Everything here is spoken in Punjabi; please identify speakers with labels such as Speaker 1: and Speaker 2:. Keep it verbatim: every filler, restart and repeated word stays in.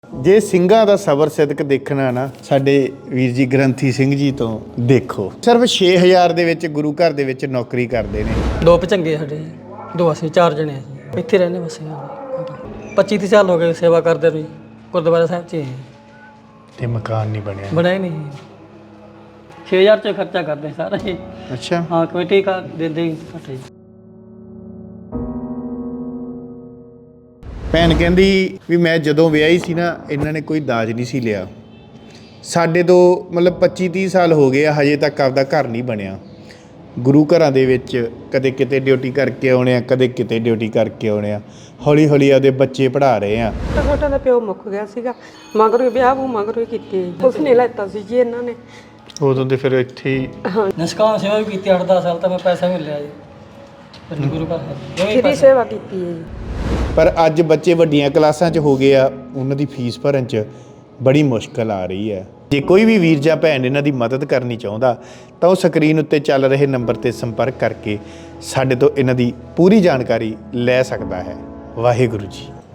Speaker 1: ਜੇ ਸਿੰਘਾਂ ਦਾ ਸਬਰ ਸਿਦਕ ਦੇਖਣਾ ਨਾ ਸਾਡੇ ਵੀਰ ਜੀ ਗ੍ਰੰਥੀ ਸਿੰਘ ਜੀ ਤੋਂ ਦੇਖੋ। ਸਿਰਫ ਛੇ ਹਜ਼ਾਰ ਦੇ ਵਿੱਚ ਗੁਰੂ ਘਰ ਦੇ ਵਿੱਚ ਨੌਕਰੀ ਕਰਦੇ ਨੇ।
Speaker 2: ਦੋ ਭਚੰਗੇ ਸਾਡੇ ਦੋ ਅਸੀਂ ਚਾਰ ਜਣੇ ਅਸੀਂ ਇੱਥੇ ਰਹਿੰਦੇ ਬਸ ਪੱਚੀ ਤੀਹ ਸਾਲ ਹੋ ਗਏ ਸੇਵਾ ਕਰਦੇ ਨੂੰ ਗੁਰਦੁਆਰਾ ਸਾਹਿਬ 'ਚ
Speaker 1: ਤੇ ਮਕਾਨ ਨਹੀਂ ਬਣਿਆ
Speaker 2: ਬਣਿਆ ਹੀ ਨਹੀਂ ਛੇ ਹਜ਼ਾਰ 'ਚ ਖਰਚਾ ਕਰਦੇ ਸਾਰਾ ਜੀ।
Speaker 1: ਅੱਛਾ
Speaker 2: ਹਾਂ ਕਮੇਟੀ ਕਾ ਦਿੰਦੇ ਹੀ ਘੱਟੇ।
Speaker 1: ਭੈਣ ਕਹਿੰਦੀ ਵੀ ਮੈਂ ਜਦੋਂ ਵਿਆਹੀ ਸੀ ਨਾ ਇਹਨਾਂ ਨੇ ਕੋਈ ਦਾਜ ਨਹੀਂ ਸੀ ਲਿਆ। ਸਾਡੇ ਤੋਂ ਮਤਲਬ ਪੱਚੀ ਤੀਹ ਸਾਲ ਹੋ ਗਏ ਆ ਹਜੇ ਤੱਕ ਆਪਦਾ ਘਰ ਨਹੀਂ ਬਣਿਆ। ਗੁਰੂ ਘਰਾਂ ਦੇ ਵਿੱਚ ਕਦੇ ਕਿਤੇ ਡਿਊਟੀ ਕਰਕੇ ਆਉਣੇ ਆ, ਕਦੇ ਕਿਤੇ ਡਿਊਟੀ ਕਰਕੇ ਆਉਣੇ ਆ। ਹੌਲੀ ਹੌਲੀ ਆਪਦੇ ਬੱਚੇ ਪੜ੍ਹਾ ਰਹੇ ਆ।
Speaker 3: ਛੋਟਾ ਦਾ ਪਿਓ ਮੁੱਕ ਗਿਆ ਸੀਗਾ ਮਗਰੋਂ ਵਿਆਹ ਉਹ ਮਗਰੋਂ ਹੀ ਕੀਤੀ ਉਸ ਨੇ ਲੈਤਾ ਸੀ ਜੀ ਇਹਨਾਂ ਨੇ।
Speaker 1: ਉਦੋਂ ਤੇ ਫਿਰ ਇੱਥੇ ਹੀ
Speaker 2: ਨਿਸ਼ਕਾਮ ਸੇਵਾ ਵੀ ਕੀਤੀ ਅੱਠ ਦਸ ਸਾਲ ਤਾਂ ਮੈਂ ਪੈਸਾ ਵੀ ਲਿਆ ਜੀ ਗੁਰੂ ਘਰ
Speaker 3: ਫਰੀ ਸੇਵਾ ਕੀਤੀ ਹੈ ਜੀ।
Speaker 1: ਪਰ ਅੱਜ ਬੱਚੇ ਵੱਡੀਆਂ ਕਲਾਸਾਂ 'ਚ ਹੋ ਗਏ ਆ, ਉਹਨਾਂ ਦੀ ਫੀਸ ਭਰਨ 'ਚ ਬੜੀ ਮੁਸ਼ਕਲ ਆ ਰਹੀ ਹੈ। ਜੇ ਕੋਈ ਵੀ ਵੀਰ ਜਾਂ ਭੈਣ ਇਹਨਾਂ ਦੀ ਮਦਦ ਕਰਨੀ ਚਾਹੁੰਦਾ ਤਾਂ ਉਹ ਸਕਰੀਨ ਉੱਤੇ ਚੱਲ ਰਹੇ ਨੰਬਰ 'ਤੇ ਸੰਪਰਕ ਕਰਕੇ ਸਾਡੇ ਤੋਂ ਇਹਨਾਂ ਦੀ ਪੂਰੀ ਜਾਣਕਾਰੀ ਲੈ ਸਕਦਾ ਹੈ। ਵਾਹਿਗੁਰੂ ਜੀ।